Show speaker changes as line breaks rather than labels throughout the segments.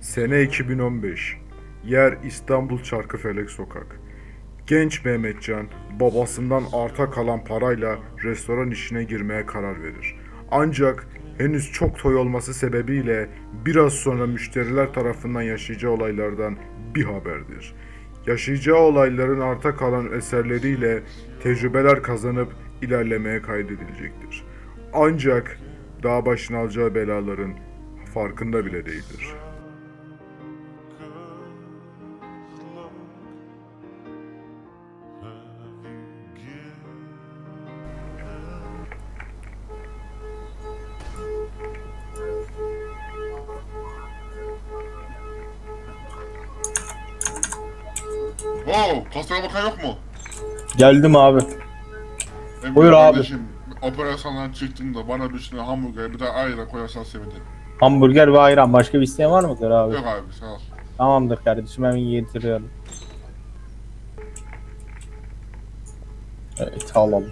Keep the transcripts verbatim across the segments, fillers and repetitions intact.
Sene iki bin on beş. Yer İstanbul Çarkıfelek Sokak. Genç Mehmetcan babasından arta kalan parayla restoran işine girmeye karar verir. Ancak henüz çok toy olması sebebiyle biraz sonra müşteriler tarafından yaşayacağı olaylardan bir haberdir. Yaşayacağı olayların arta kalan eserleriyle tecrübeler kazanıp ilerlemeye kaydedilecektir. Ancak daha başına alacağı belaların farkında bile değildir.
Wow, pastaya bakan yok mu?
Geldim abi.
Emre
Buyur abi.
kardeşim, operasyondan çıktığında bana bir üstüne hamburger bir de ayran koyarsan sevinirim.
Hamburger ve ayran. Başka bir isteğin var mıdır abi?
Yok abi, sağ ol.
Tamamdır kardeşim, hemen getiriyorum. Evet, alalım.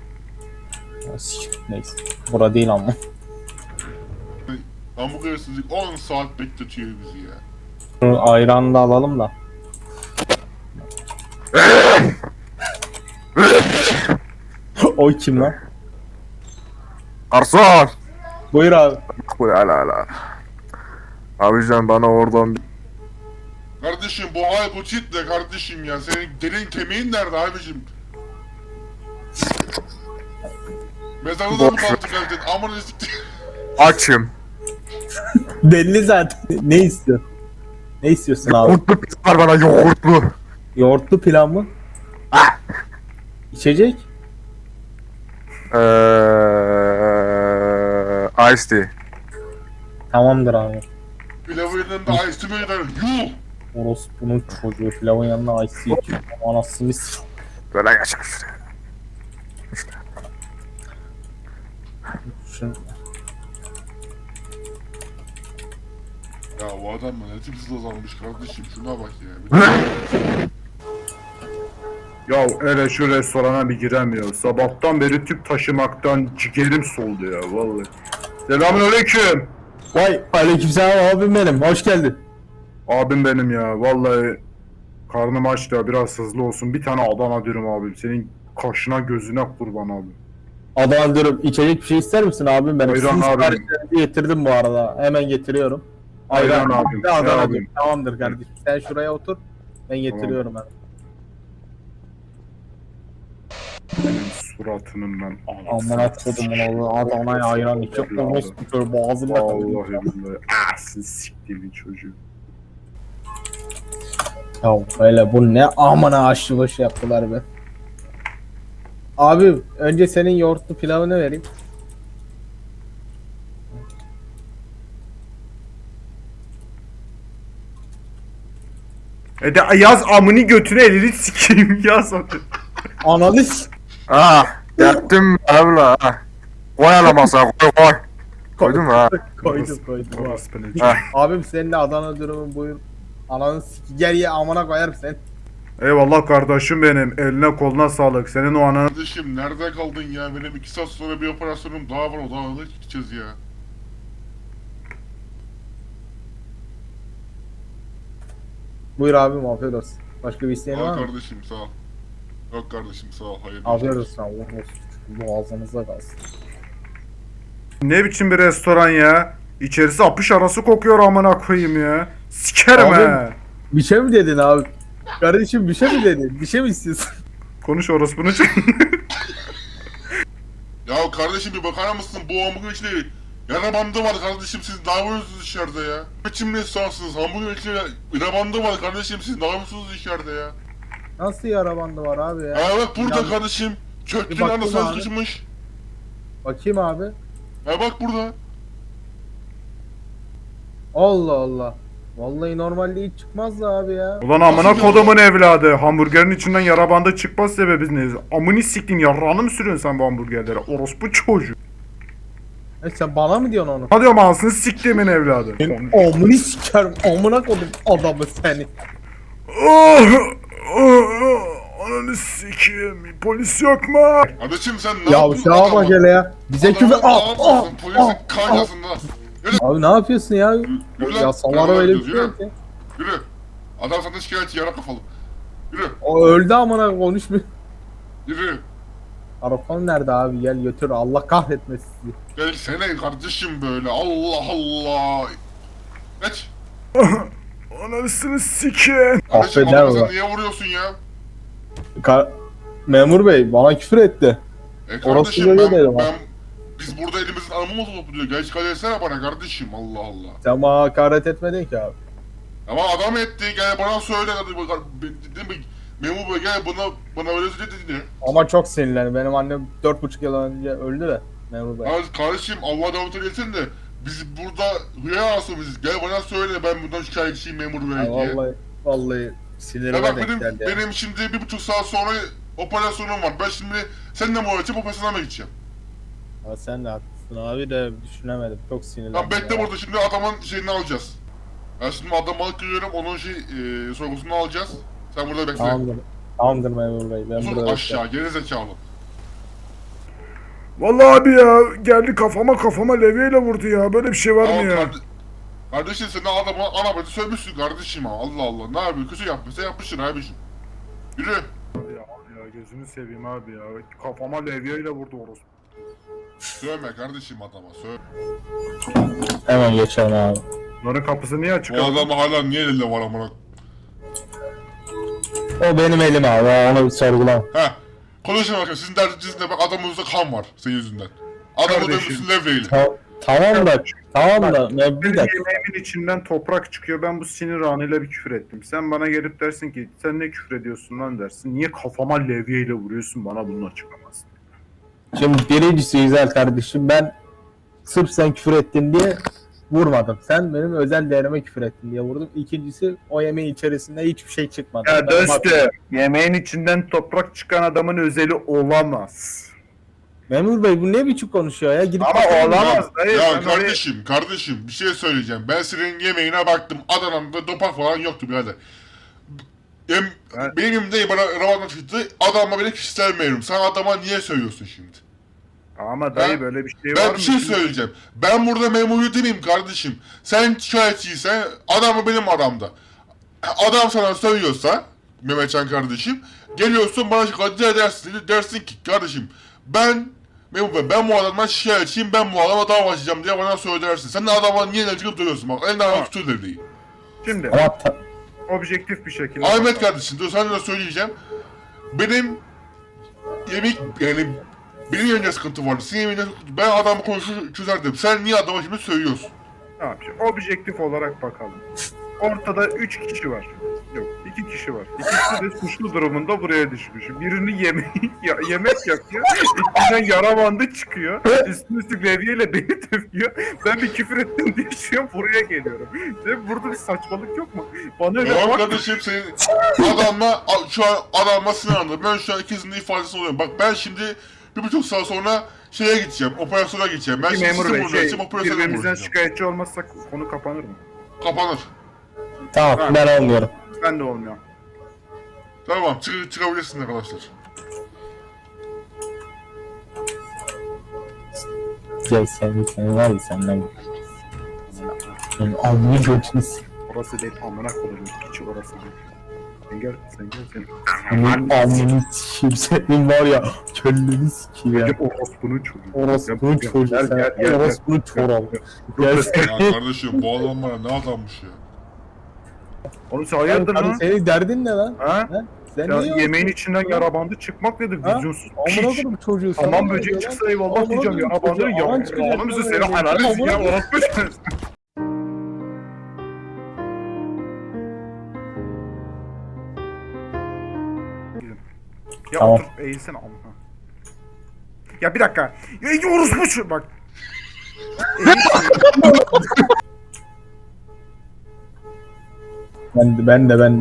Neyse. Bura değil ama.
Hamburgersizlik on saat bekletiyor bizi ya.
Şu ayranı da alalım da. O kim lan?
Garson!
Buyur abi.
Bu hala hala. Abicim bana oradan bir...
Kardeşim bu hay bu çit de kardeşim ya. Senin derin kemiğin nerede abicim? Mezarda da mı kaldı geldin? Aman ezikti.
Açım.
Belli zaten. Ne istiyorsun? Ne istiyorsun abi?
Yoğurtlu pizza var bana yoğurtlu.
Yoğurtlu pilav mı?
Ah!
İçecek?
Eee... Ice tea.
Tamamdır abi.
Pilavın yanında ice mi gider? Yuh!
Orospu'nun çocuğu pilavın yanına ice içiyor. Anasını s***.
Böyle geçer şuraya.
Şunu...
Ya bu adam ne tipsiz azalmış kardeşim, şuna bak ya.
Ya hele şu restorana bir giremiyor. Sabahtan beri tüp taşımaktan ciğerim soldu ya vallahi. Selamünaleyküm.
Vay aleykümselam abim benim, hoş geldin.
Abim benim ya vallahi karnım aç da biraz hızlı olsun. Bir tane Adana dürüm abim. Senin kaşına gözüne kurban abi.
Adana diyorum, içecek bir şey ister misin abim benim?
Ayran
Sizin
abim.
siparişlerinizi getirdim bu arada, hemen getiriyorum.
Ayran abim,
ve Adana
abim.
dürüm. Tamamdır kardeşim, sen şuraya otur, ben getiriyorum hemen.
Senin suratının ben
Amına kodumun oğlu, Adana'ya ayran içip orospu kör boğazımda kalıyor.
Vallahi billahi. Ah siz siktiğimin çocuğu.
Ya böyle bu ne amına aşçı başı yaptılar be. Abi önce senin yoğurtlu pilavını vereyim.
E de yaz amını götüne elini sikeyim yaz hadi.
Analiz.
Ah! Yaktım abla ha. Koy ala masaya koy koy. Koydun mu ha?
Koydum koydum.
Orası beni.
Ha.
Abim senin de Adana dürümün buyur. Ananı siki gel ye amına koyarım sen.
Eyvallah kardeşim benim. Eline koluna sağlık. Senin o ananı...
Kardeşim nerede kaldın ya? Benim iki saat sonra bir operasyonum daha var, o daha hızlı gideceğiz ya.
Buyur abim, afiyet olsun. Başka bir isteğin
Sağ ol
var mı?
kardeşim, sağ ol. Yok kardeşim, sağ ol, hayırlı
Afiyet
işler.
olsun, Allah olsun. Boğazınıza kalsın.
Ne biçim bir restoran ya? İçerisi apış arası kokuyor amına koyayım ya. Sikerim
Abi-
he.
Bir şey mi dedin abi? Kardeşim bir şey mi dedin? Bir şey mi istiyorsun?
Konuş orospunu çek.
Ya kardeşim bir bakar mısın? Bu hamburger içinde yara bandı var kardeşim, siz ne yapıyorsunuz içeride ya? Biçim restoransınız, hamburger içinde yara bandı var kardeşim, siz ne yapıyorsunuz içeride ya?
Nasıl yara bandı var abi ya?
Ha bak burada
Ya-
kardeşim,
Bir
çöktüğün
baktım
anasına
abi.
sıkışmış.
Bakayım abi.
Ha bak burada.
Allah Allah. Vallahi normalde hiç çıkmazdı abi ya.
Ulan amına kodumun evladı. Hamburgerin içinden yara bandı çıkmaz sebebi ne? Amını siktin yarrağını mı sürüyorsun sen bu hamburgerlere? Orospu çocuğu.
E sen bana mı diyorsun onu?
Hadi diyorum ağzını siktiğimin evladı.
Amını sikerim. Amına kodum adamı seni.
Oh, oh, oh, ananı sikeyim. Polis yok mu?
Kardeşim sen ne
Ya
yaptın
şuna bak
adama?
hele ya. Bize küfür...
Adamı
Ah ah
ağlatmasın, polisin
ah.
kaynasında.
Abi ne yapıyorsun ya?
Yürü lan.
Ya Samara
Beraber
öyle bir
gidiyoruz,
şey
yürü.
yok ya.
Yürü. Adam senden şikayetçi yara kafalı. Yürü.
O öldü amına konuşmuyor.
Yürü.
Arafan nerede abi? Gel götür. Allah kahretmesin sizi.
Gel sene kardeşim böyle. Allah Allah. Geç.
Anasını sikin.
Kardeşim
Affeder
adamı sen
ulan.
niye vuruyorsun ya?
Ka- Memur bey bana küfür etti.
E
Orası
kardeşim
böyle
ben,
değil ama.
ben biz burada elimizin alnımızı topluyor. Gel şikayet etsene bana kardeşim. Allah Allah.
Sen bana hakaret etmedin ki abi.
Ama adam etti. Gel bana söyle. Hadi bak. Dedim ki memur bey gel bana bana öyle dedi.
Ama çok sinirlendi. Benim annem dört buçuk yıl önce öldü de. Memur bey.
Ya kardeşim Allah davut eylesin de biz burada hıyar asılmışız. Gel bana söyle ben bundan şikayetçiyim memur bey
Ya
diye.
vallahi vallahi
Ya
sinirime
bak
denk
benim,
geldi ya.
benim şimdi bir buçuk saat sonra operasyonum var. Ben şimdi seninle mi uğraşacağım operasyona mı gideceğim?
Ama sen de haklısın abi de düşünemedim. Çok sinirlendim.
Lan bekle
ya.
burada şimdi adamın şeyini alacağız. Ben şimdi adamı alıp geliyorum onun şey e, sorgusunu alacağız. Sen burada bekle.
Tamamdır. Tamamdır memur bey. Ben
Uzun
burada
aşağı geri zekalı.
Vallahi abi ya geldi kafama kafama levyeyle vurdu ya. Böyle bir şey var
Tamam
mı ya?
kardeşim. Kardeşim sen adamı ana bacı sövmüşsün kardeşim ha. Allah Allah ne yapıyor kötü yapmışsa yapmışsın abiciğim. Yürü.
Ya, ya gözünü seveyim abi ya. Kafama levyeyle vurdu orospu.
Sövme kardeşim adama söv.
Hemen geçelim abi.
Bunların kapısı niye açık
Bu
abi?
adamı hala niye elinde var amına?
O benim elim abi. Onu bir sorgulama.
He. Konuşun bakayım sizin derdiniz ne bak adamınızda kan var senin yüzünden. Adamı
Kardeşim.
dövmüşsün levyeyle.
Ta- tamam da tamam da ne
Benim
bir dakika.
yemeğimin içinden toprak çıkıyor. Ben bu sinir anıyla bir küfür ettim. Sen bana gelip dersin ki sen ne küfür ediyorsun lan dersin. Niye kafama levyeyle vuruyorsun bana bunu açıklamazsın.
Şimdi birincisi güzel kardeşim ben sırf sen küfür ettin diye vurmadım. Sen benim özel değerime küfür ettin diye vurdum. İkincisi o yemeğin içerisinde hiçbir şey çıkmadı.
Ya
Ben
dostum yemeğin içinden toprak çıkan adamın özeli olamaz.
Memur bey bu ne biçim konuşuyor ya? Gidip
Ama
bakalım ya.
olamaz dayı.
Ya
sen oraya-
kardeşim kardeşim bir şey söyleyeceğim. Ben senin yemeğine baktım Adana'da dopak falan yoktu birader. Em,
Ben-
Benim elimde bana Ramazan çıktı. Adama bile kişisel meyrum. Sen adama niye söylüyorsun şimdi?
Ama dayı
Ben-
böyle bir şey var
Ben
mı?
bir şey söyleyeceğim. Ben burada memuru demeyeyim kardeşim. Sen şikayetçiysen adamı benim aramda. Adam sana söylüyorsa Mehmetcan kardeşim geliyorsun bana şikayet edersin dersin ki kardeşim ben memur bey ben bu adamdan şikayetçiyim ben bu adama dava açacağım diye bana söylersin. Sen de adama niye ne çıkıp duruyorsun bak elinden alıp tutuyor devreyi.
Şimdi
Ama ta-
objektif bir şekilde.
Ahmet kardeşim dur sana da söyleyeceğim. Benim yemek yani benim yemeğimde sıkıntı vardı. Senin yemeğinde ben adamı konuşur çözerdim. Sen niye adama şimdi söylüyorsun?
Tamam şimdi objektif olarak bakalım. Ortada üç kişi var. Yok iki kişi var. İkisi de suçlu durumunda buraya düşmüş. Birini yeme ya, yemek yapıyor. İçinden yara bandı çıkıyor. Üstüne üstlük levyeyle beni dövüyor. Ben bir küfür ettim diye şu an buraya geliyorum. Şimdi burada bir saçmalık yok mu? Bana öyle
Tamam
bak.
kardeşim senin adamla şu an adamla sınırlandı. Ben şu an ikisinin de ifadesi oluyorum. Bak ben şimdi bir buçuk saat sonra şeye gideceğim, operasyona gideceğim. Ben
Peki
şimdi
memur
sizi
bey
burada
şey,
açacağım, operasyona
birbirimizden
vuracağım.
şikayetçi olmazsak konu kapanır mı?
Kapanır.
tamam ben olmuyorum.
Ben de olmuyor.
Tamam çık çıkabilirsiniz arkadaşlar.
Gel sen sen var ya senden. Senin alnını götünü s-
Orası değil amına koyayım. Küçük orası değil. Sen gel, sen gel sen.
Senin alnını sikeyim senin var ya kelleni sikeyim ya.
Gel orospunun çocuğu.
Orospu'nun
Gel,
çocuğu
gel,
sen.
gel, gel,
Orospu'nun çoralı. Gel sen.
Ya kardeşim bu adam bana ne adammış ya.
Oğlum sen hayırdır
Hani
lan?
senin derdin ne lan?
Ha?
Sen
Ya
niye
yemeğin içinden yara bandı çıkmak nedir?
Ha?
Vizyonsuz
Amına
piç.
koydum çocuğu.
Tamam
sana ne
böcek
diyor
çıksa
lan?
eyvallah
Amına
diyeceğim
koydum
yara bandı
çocuğu, aman
ya.
çıkacak
Oğlum bizi
böyle
seni
ya.
helal etsin ya.
Amına
Orospu sensin. Ya
Tamam.
otur eğilsene amına. Ya bir dakika. Ya orospu şu bak.
Ben de ben de ben.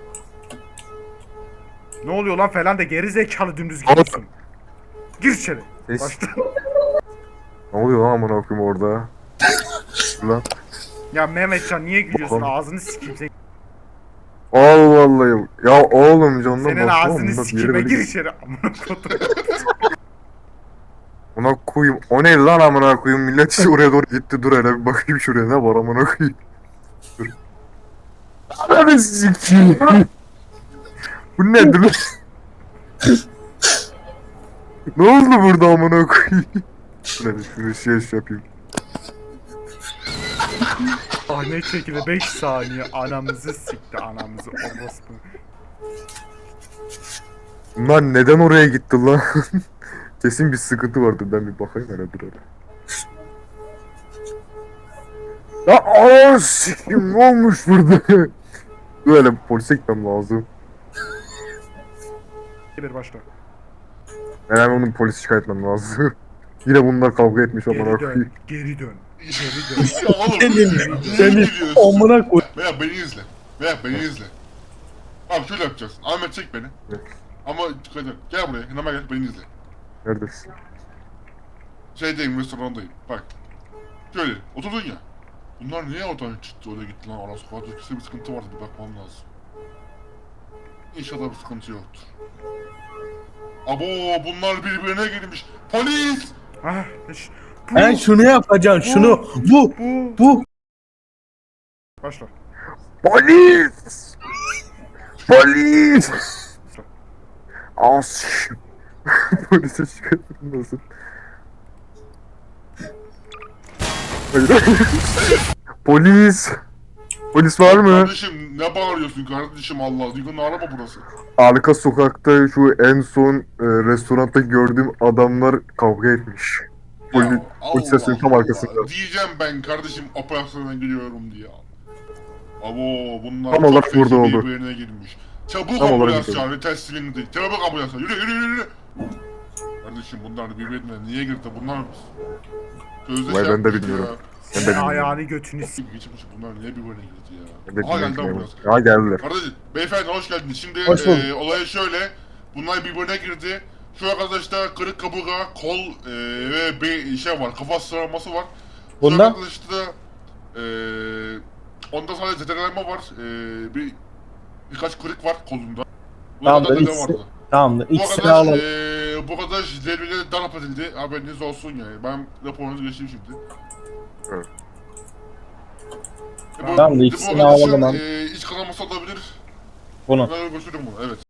Ne oluyor lan falan da geri zekalı dümdüz gidiyorsun. Gir içeri.
Ses.
Başta.
Ne oluyor lan amına koyayım orada? Lan.
Ya Mehmetcan niye gülüyorsun?
Oğlum.
Ağzını sikeyim senin.
Allah Allah. Ya oğlum canım
Senin ağzını sikeyim. Gir içeri. Amına kodum.
Ona koyayım. O neydi lan amına koyayım? Millet işte oraya doğru gitti. Dur hele bir bakayım şuraya ne var amına koyayım. Dur. Ananı sikeyim. Bu nedir lan? Ne oldu burada amına koyayım? Şöyle şunu şey şey yapayım.
Sahne çekildi beş saniye anamızı sikti anamızı orospu.
Bunlar neden oraya gitti lan? Kesin bir sıkıntı vardı. Ben bir bakayım hele dur hele. Ya aaa sikim ne olmuş burada? Dur hele polise gitmem lazım.
Bir başla.
Ben hemen onun polisi şikayet etmem lazım. Yine bunlar kavga etmiş amına
Geri
koyayım.
dön. Geri dön. Geri dön.
Ya oğlum. niye
Seni
gidiyorsun?
amına koy.
Veya beni izle. Veya beni izle. Abi şöyle yapacağız. Ahmet çek beni.
Evet.
Ama dikkat et. Gel buraya. Yanıma gel. Beni izle.
Neredesin?
Şeydeyim, restorandayım. Bak. Şöyle. Oturdun ya. Bunlar niye oradan çıktı? Öyle gitti lan. Ara sokakta bir sıkıntı vardı. Bir bakmam lazım. İnşallah bir sıkıntı yoktur. Abo bunlar birbirine girmiş. Polis!
Ah, iş- bu,
Ben şunu yapacaksın şunu. Bu.
bu.
Bu.
Başla.
Polis! Polis! As. Polise şikayet etmem lazım. Hayır. Polis! Polis var mı?
Kardeşim ne bağırıyorsun kardeşim Allah? Duygunun araba burası.
Arka sokakta şu en son e, restoranda gördüğüm adamlar kavga etmiş. Poli,
Ya,
polis sesinin tam
Allah
arkasında.
Allah. Diyeceğim ben kardeşim operasyona gidiyorum diye. Abo bunlar
Tam
çok
olarak
feci
burada oldu.
birbirine girmiş. Çabuk
Tam olarak
ambulans
burada.
çağır. Teslimini değil. Çabuk ambulans çağır. Yürü yürü yürü yürü. Kardeşim bunlar birbirine niye girdi? Bunlar sözde
Vay,
şey
ben de
yapmıştı
bilmiyorum.
ya.
Ben de
Sen
bilmiyorum.
ayağını götünü s**.
Geçmiş bunlar niye birbirine girdi ya?
Ben de
Aha geldi
bilmiyorum.
ambulans.
Ha geldiler.
Kardeşim, beyefendi hoş geldiniz. Şimdi
Hoş bulduk.
e, olay şöyle. Bunlar birbirine girdi. Şu arkadaşta kırık kaburga, kol e, ve bir şey var, kafa sıraması var. Şu
Bunda?
arkadaşta e, onda sadece zedelenme var. E, bir birkaç kırık var kolunda. Bu
Tamam,
kadar
ben
da
ikisi-
vardı.
Tamamdır.
Bu
İkisini
arkadaş,
alalım.
e, bu arkadaş zerbiyle darp edildi. Haberiniz olsun yani. Ben raporunuzu geçeyim şimdi.
Evet.
E, bu-
Tamam,
bu
ikisini
arkadaşın,
alalım abi.
E, iç kanaması olabilir.
Bunu.
Ben götürdüm bunu, evet.